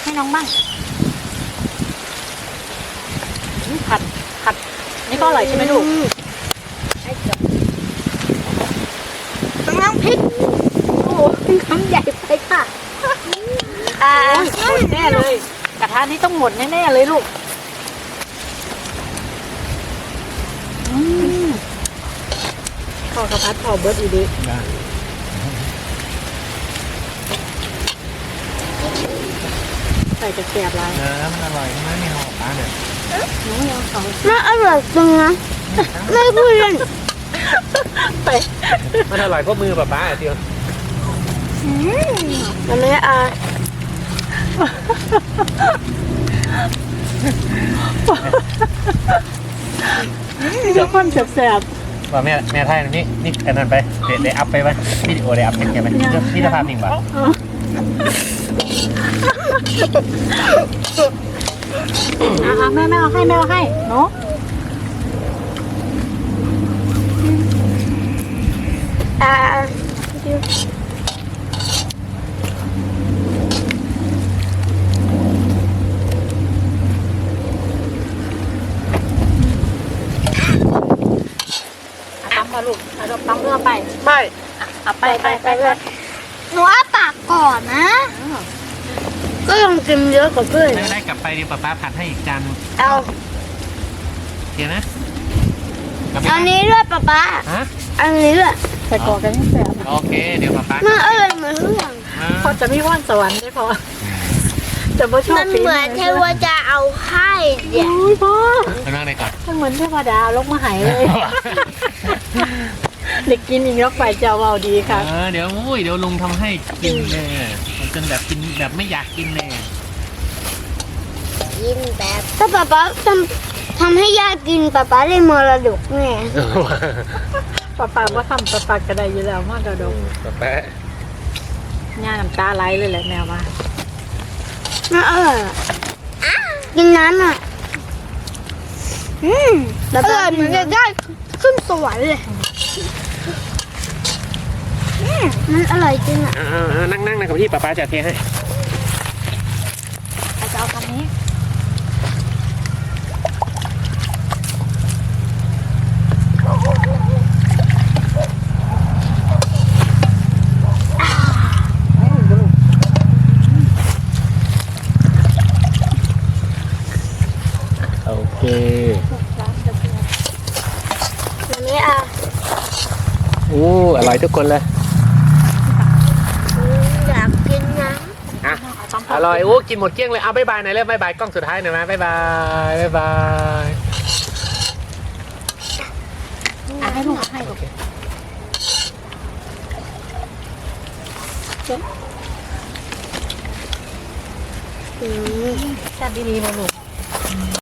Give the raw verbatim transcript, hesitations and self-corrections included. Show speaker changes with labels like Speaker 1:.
Speaker 1: ให้น้องบ้างผัดผัดนี่ก็อร่อยใช่ไหมลูก
Speaker 2: น้ำพริกโอ้น้ำใหญ่ไปค่ะอ่า
Speaker 1: หมดแน่เลยกระทะนี้ต้องหมดแน่ๆเลยลูกข้าวกระพัดข้าวเบิร์ดอีดีใส่กระเทียมไร
Speaker 3: เออมันอร่อยใช่ไหมเนี่ยหอมปลาเนี่ย
Speaker 1: น้องยังสอง
Speaker 2: น่าอร่อยจังนะไม่พูดเล่น
Speaker 1: ไป
Speaker 3: มันอร่อยเพราะมือป้าป้าเดียว
Speaker 2: มันไม่อา
Speaker 1: ทุกคนแสบ
Speaker 3: ว่าแม่แม่ไทยนี่นี่อันนั้นไปเดี๋ยวได้อัพไปไหมวิดีโอได้อัพเป็นไงไหมนี่ภาพนิ่งป่ะ
Speaker 1: อ่ะแม่แม่เอาให้แม่เอาให้เนาะ
Speaker 2: อ่า
Speaker 1: ตั้มมาลูกเอาตั้มเรือไป
Speaker 3: ไป
Speaker 1: เอาไปไปไปไป
Speaker 2: หนูอ้าปากก่อนนะก็ยังกินเยอะกว่าเพื่อน
Speaker 3: ไม่ได้กลับไปดีป้าป้าผัดให้อีกจาน
Speaker 2: เอา
Speaker 3: เดี๋ยวนะ
Speaker 2: อันนี้ด้วยป้าป้า
Speaker 3: ฮะ
Speaker 2: อันนี้ด้วย
Speaker 1: ใส่กอกันให้แสบ
Speaker 3: โอเคเดี๋ยวป้าป้า
Speaker 2: น่าอร่อยเหมือนเรื่อง
Speaker 1: พอจะมีว่านสวรรค์ได้พอจะไม่ชอบ
Speaker 2: มันเหมือนเทวดาเอาให้
Speaker 1: เดี๋ยวพ่อ
Speaker 3: ไปนั่งในก่อน
Speaker 1: มันเหมือนเทวดาลกมาหายเลยเด็กกินอีกแล้วฝ่ายเจ้าเอาดีค่ะ
Speaker 3: เดี๋ยวอุ้ยเดี๋ยวลุงทำให้กินเลยจนแบบกินแบบไม่อยากกินเลย
Speaker 2: กินแบบถ้าป๊าป๊าทำทำให้ย่ากินป๊าป๊าได้มรดกแน่
Speaker 1: ป้าป้าว่าทำป้าป้าก็ได้อยู่แล้วมากระดก
Speaker 3: ป้าป้า
Speaker 1: ย่าน้ำตาไหลเลยแหละแมวมา
Speaker 2: น่าอร่อยกินน้ำอ่ะอืมอร่อยเหมือนจะได้ขึ้นสวรรค์เลยมันอร่อยจริงอ่ะ
Speaker 3: นั่งนั่งนะกับพี่ป้าป้าจะเทให้
Speaker 1: จะเอาคำนี้
Speaker 3: โอเค
Speaker 2: อันนี้อ่ะ
Speaker 3: โอ้อร่อยทุกคนเลย
Speaker 2: อยากกินนะ
Speaker 3: อ่ะอร่อยโอ้กินหมดเกลี้ยงเลยเอาบ๊ายบายหน่อยเร็วบ๊ายบายกล้องสุดท้ายหน่อยไหมบ๊ายบายบ๊ายบาย
Speaker 1: อ่ะให้ลูกให้ลูกแซ่บดีๆมาลูก